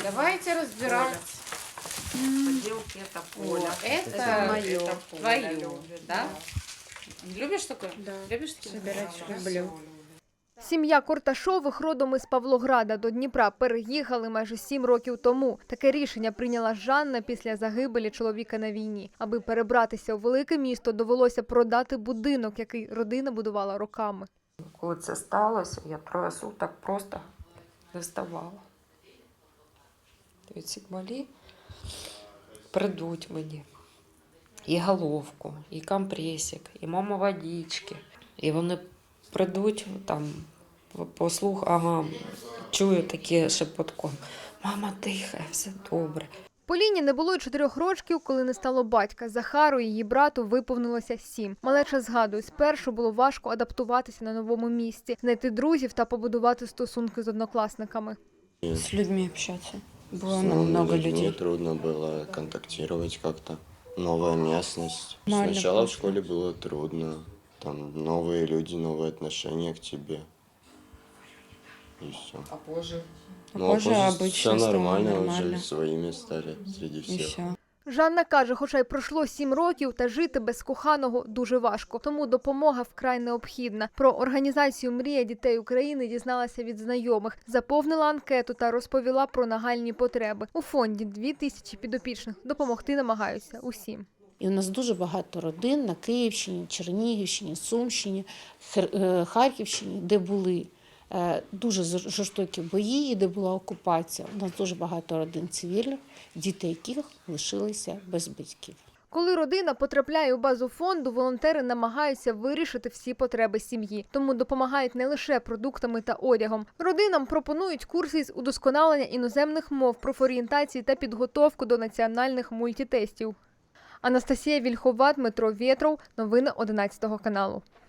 Давайте разбирать. Поделки это Поля. Это мое. Твое, да? Любишь такое? Да. Любишь такие? Собирать люблю. Сім'я Корташових родом із Павлограда до Дніпра переїхали майже 7 років тому. Таке рішення прийняла Жанна після загибелі чоловіка на війні. Аби перебратися у велике місто, довелося продати будинок, який родина будувала роками. Коли це сталося, я 3 суток просто не вставала. Ці малі придуть мені і головку, і компресик, і мама водички. І вони придуть там, послух, ага, чую таке шепотком. Мама дихає, все добре. Поліні не було й 4 років, коли не стало батька. Захару і її брату виповнилося 7. Малеча згадує, спершу було важко адаптуватися на новому місці, знайти друзів та побудувати стосунки з однокласниками. С людьми общаться. Было много людей. Трудно было контактировать как-то. Новая местность. Нормально Сначала в прошло. школе было трудно. Там новые люди, новые отношения к тебе. И все. А позже? А позже обычно все стало нормально, нормально. уже своими стали среди И всех. все. Жанна каже, хоча й пройшло 7 років, та жити без коханого дуже важко, тому допомога вкрай необхідна. Про організацію «Мрія дітей України» дізналася від знайомих, заповнила анкету та розповіла про нагальні потреби. У фонді 2000 підопічних, допомогти намагаються усім. І у нас дуже багато родин на Київщині, Чернігівщині, Сумщині, Харківщині, де були дуже жорстокі бої, і де була окупація. У нас дуже багато родин цивільних, діти яких лишилися без батьків. Коли родина потрапляє у базу фонду, волонтери намагаються вирішити всі потреби сім'ї. Тому допомагають не лише продуктами та одягом. Родинам пропонують курси із удосконалення іноземних мов, профорієнтації та підготовку до національних мультитестів. Анастасія Вільхова, Дмитро Вєтров. Новини 11 каналу.